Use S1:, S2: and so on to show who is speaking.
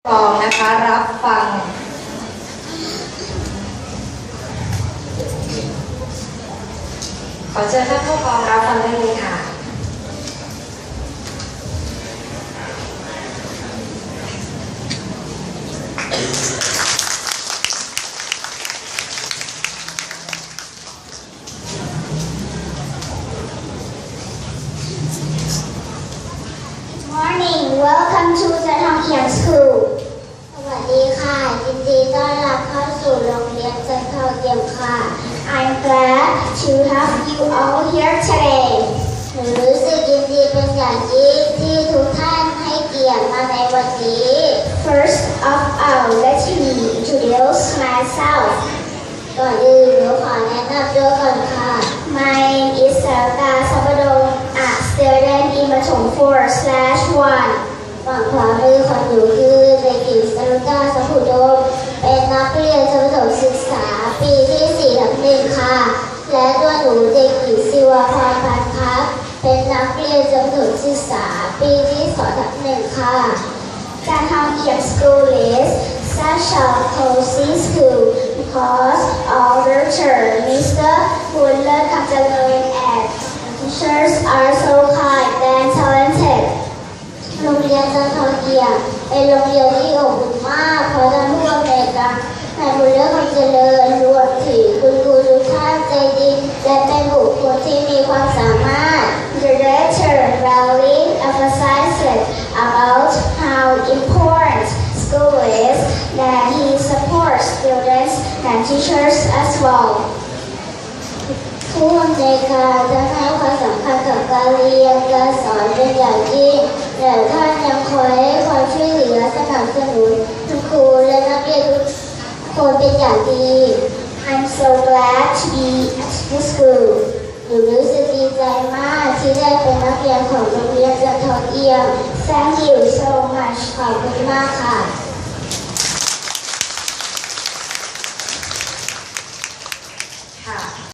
S1: กองนะคะรับฟังขอเชิญท่านผู้กองรับฟังได้เลยค่ะ
S2: Welcome to the Tongkiang School สวัสดีค่ะยินดีต้อนรับเข้าสู่โรงเรียนจันทองเกียมค่ะ I'm glad to have you all here today หนูรู้สึกยินดีเป็นอย่างยิ่งที่ทุกท่านให้เกียรติมาในวันนี้ First of all let me introduce myself ก่อนอื่นหนูขอแนะนำตัวก่อนค่ะ My name is Sarita Sabadong a student in ประถม 4/1ฝั่งขวามือของหนูคือเด็กหญิงสรุตาสัมพุดมเป็นนักเรียนชั้นประถมศึกษาปีที่ 4/1 ค่ะและตัวหนูเด็กหญิงศิวพรพันธ์ครับเป็นนักเรียนชั้นประถมศึกษาปีที่ 2/1 ค่ะการทำเกียรติ School is such a cozy school because all the teachers Mr. บุญเลิศคำเจริญ and teachers are so kind and talentedโรงเรียนจันทองเกียรติเป็นโรงเรียนที่อบอุ่นมากเพราะท่านผู้อำนวยการนายบุญเลิศคำเจริญรวมถึงคุณครูทุกท่านใจดีและเป็นบุคคลที่มีความสามารถ The director really emphasizes about how important school is that he supports students and teachers as wellผู้อำนวยการจะให้ความสำคัญกับการเรียนการสอนเป็นอย่างยิ่งและท่านยังคอยให้ความช่วยเหลือสนับสนุนคุณครูและนักเรียนทุกคนเป็นอย่างดี I'm so glad to be at this school หนูรู้สึกดีใจมากที่ได้เป็นนักเรียนของโรงเรียนจันทองเกียรติ Thank you so much ขอบคุณมากค่ะ